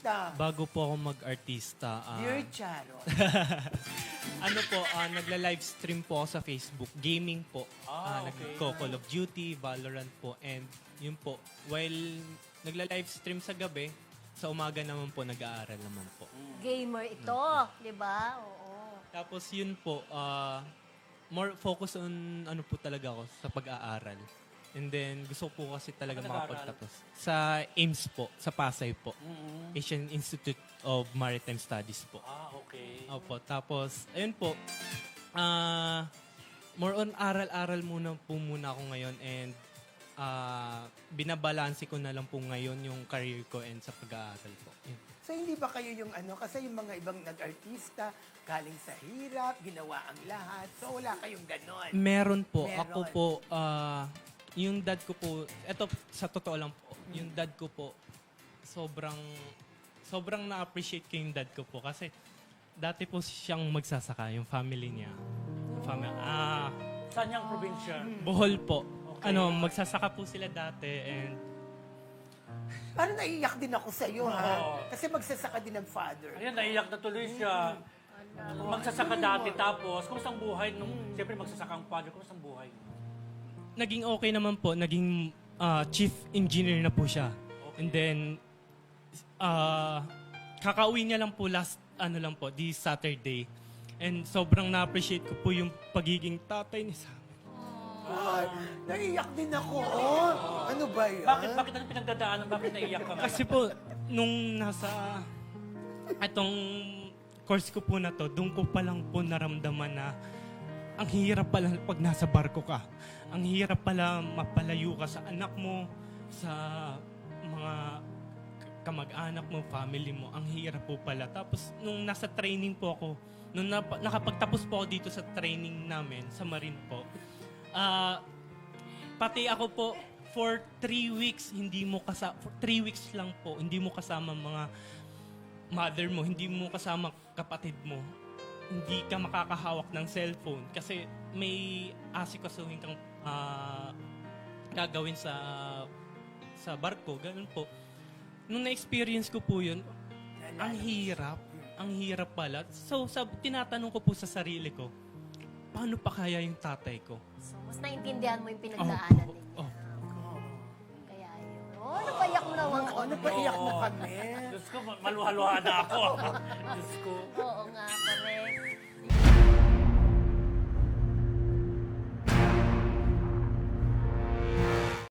Bago po ako mag-artista, Dear Charot. nagla-live stream po ako sa Facebook. Gaming po. Okay. Call of Duty, Valorant po. And yun po, while nagla-live stream sa gabi, sa umaga naman po, nag-aaral naman po. Gamer ito, di ba? Oo. Tapos yun po, more focus on ano po talaga ako sa pag-aaral. And then, gusto ko po kasi talaga Saan ka nag-aaral? makapagtapos. Sa AIMS po, sa Pasay po. Asian Institute of Maritime Studies po. Okay. Opo. Tapos, ayun po, more on aral-aral muna po muna ako ngayon and binabalanse ko na lang po ngayon yung career ko and sa pag-aaral po. Yun. So hindi ba kayo yung kasi yung mga ibang nag-artista, galing sa hirap, ginawa ang lahat. So wala kayong ganon. Meron po. Meron. Ako po, yung dad ko po, eto sa totoo lang po, yung dad ko po, sobrang na-appreciate ko yung dad ko po kasi dati po siyang magsasaka, yung family niya. Saan niyang probinsya? Bohol po. Okay. Magsasaka po sila dati and Parang naiiyak din ako sa iyo, ha? Oo. Kasi magsasaka din ng father. Ayan, naiyak na tuloy siya. Magsasaka dati tapos, kumusta ang buhay nung, siyempre magsasaka ang father, kumusta ang buhay? naging okay naman po. Naging chief engineer na po siya. And then, kakauwi niya lang po this Saturday. And sobrang na-appreciate ko po yung pagiging tatay ni Sam. Ay, naiiyak din ako. Oh. Ano ba yan? Bakit ano pinagdadaanan? Bakit naiyak ka? Kasi po, nung nasa atong course ko po na to, doon ko pa lang po naramdaman na ang hirap pala pag nasa barko ka. Ang hirap pala mapalayo ka sa anak mo, sa mga kamag-anak mo, family mo. Ang hirap po pala. Tapos, nung nasa training po ako, nung nakapagtapos po ako dito sa training namin, sa Marine po, pati ako po, for 3 weeks, for 3 weeks lang po, hindi mo kasama mga mother mo, hindi mo kasama kapatid mo, hindi ka makakahawak ng cellphone kasi may asikasuhin kang gagawin sa barko, ganun po. Nung na-experience ko po yun, ang hirap pala. So, tinatanong ko po sa sarili ko, paano pa kaya yung tatay ko? So, mas naintindihan mo yung pinagdaanan ninyo. Oh. Kaya yun. Oh, napaiyak mo naman Oo, napaiyak na kami. Diyos ko, maluhaluha na ako. Diyos ko. Oo nga, correct.